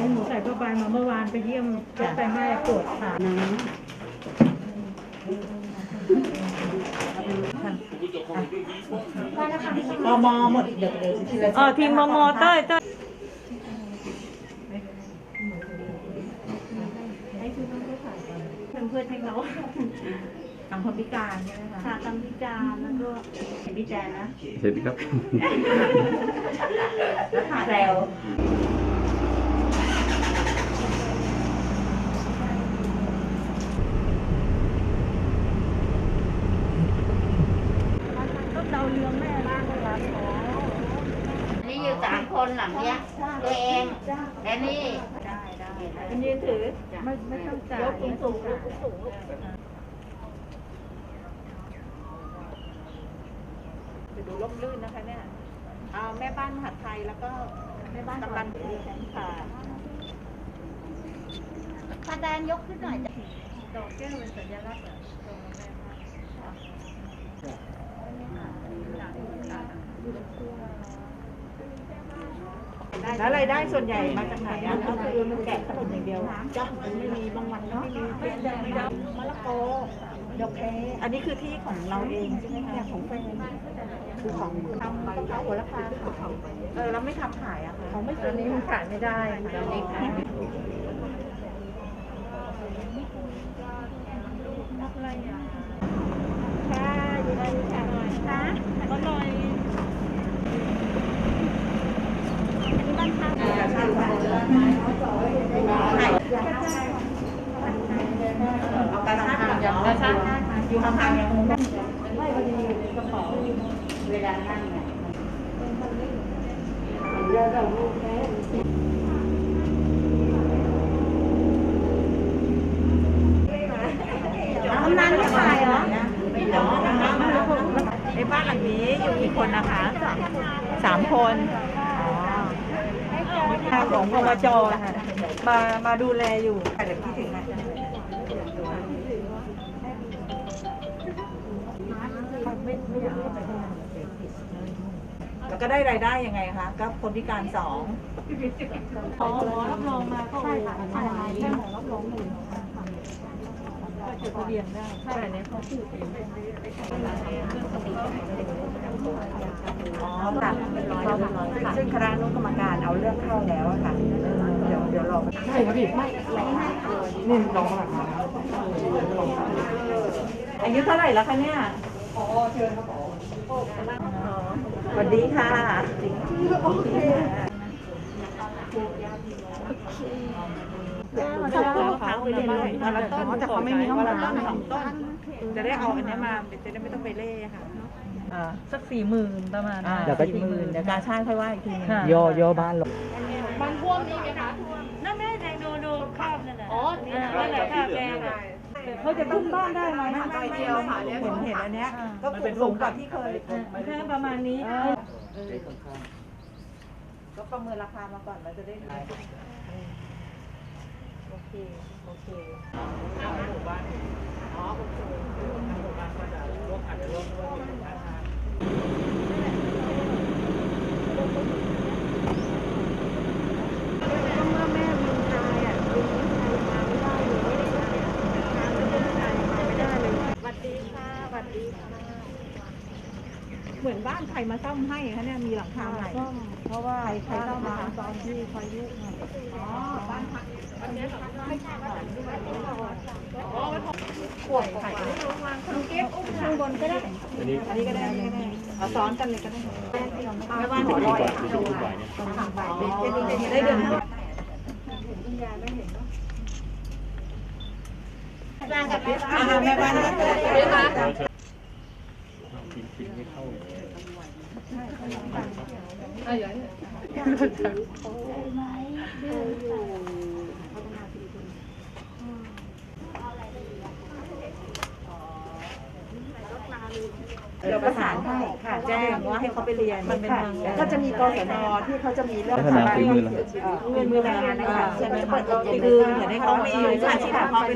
หนูใส่ผ้าใบมาเมื่อวานไปเยี่ยมก็ไปแม่ปวดขานะมอหมดเดี๋ยวทีมมเต้ยเพื่อนให้เขาทำคนพิการใช่ไหมคะค่ะทำพิการแล้วก็เห็นพี่แจนนะเห็นครับแล้วขาแซวก็เดาเรื่องแม่บ้างเลยครับนี่อยู่3 คนหลังเนี้ยตัวเองและนี่เป็นยืนถือไม่ต้องจ่ายยกสูงจะดูร่มรื่นนะคะเนี่ยเอาแม่บ้านมหาไทยแล้วก็แม่บ้านกำลังค่ะพาแดนยกขึ้นหน่อยจ้ะดอกแก้วเป็นสัญลักษณ์แล้วรายได้ส่วนใหญ่มาจากไหนอ่ะก็คือมันแกะขนมอย่างเดียวจ้ะไม่มีบางวันเนาะไม่มะละกอดอกแคอันนี้คือที่ของเราเองใช่ไหมคะของแฟนคือของทำข้าวหัวราคาแล้วไม่ทำขายอะค่ะเขาไม่ซื้อนี้มันขายไม่ได้ค่ะนี่ค่ะอะไรอ่ะค่ะอยู่ได้ค่ะหน่อยค่ะก็หน่อยบ้านข้างเอากระชากอยู่ข้างๆยังไม่พอดีอยู่ในกระเป๋าเวลานั่งเนี่ยกำนันไม่ขายเหรอในบ้านหลังนี้อยู่กี่คนนะคะ3 คนของพมจมาดูแลอยู่เดี๋ยวพี่ถึงนะแล้วก็ได้รายได้ยังไงคะก็คนพิการ2 รับรองมาก็ใช่ค่ะแค่หมอรับรอง1ก็จดทะเบียนได้ใช่อันนี้เขาพูดเองซึ่งคณะอนุกรรมการเอาเรื่องเข้าแล้วอะค่ะเดี๋ยวรอใช่ครับพี่ไม่นี่ลองมาอายุเท่าไหร่แล้วคะเนี่ยเชิญครับสวัสดีค่ะโอเคชอบต้นมะพร้าวไปเลยวันละต้นแต่เขาไม่มีห้องวันละต้น2 ต้นจะได้เอาอันนี้มาจะได้ไม่ต้องไปเล่ค่ะสัก40,000ประมาณเดี๋ยวก็40,000เดี๋ยวการช่างค่อยว่าอีกทีนึงย่อบ้านลงมันท่วมนี่ไหมคะท่วมนั่นแม่แดงดูข้าวนั่นแหละอ๋อนั่นแหละข้าวแดงเขาจะขึ้นบ้านได้ไหมไม่เดียวค่ะเห็นอันเนี้ยก็สูงกว่าที่เคยแค่ประมาณนี้ก็ประเมินราคามาก่อนเราจะได้โอเคหมู่บ้านหมู่บ้านก็จะร่วมอาจจะร่วมด้วยเป็นธนาคารเมื่อแม่วินชายอ่ะวินชายมาไม่ได้เลยน้ำวินชายมาไม่ได้เลยสวัสดีค่ะสวัสดีค่ะเหมือนบ้านใครมาซ่อมให้คะเนี่ยมีหลังคาใหม่เพราะว่าใครต้องมาตอนที่พายุบ้านพักขวดไข่คุณเก็บอุ้มข้างบนก็ได้อันนี้ก็ได้เอาซ้อนกันเลยก็ได้ไม่ว่าหัวลอยได้เดือนบ้านกับแม่บ้านแม่บ้านกินไม่เข้าเราประสานให้ค่ะแจ้งว่าให้เขาไปเรียนมันเป็นก็จะมีกศนที่เขาจะมีเรื่องพัฒนาฝีมือเงินมือแรงนะคะใช่ไหมคือเหมือนให้เขามีวิชาชีพของเขา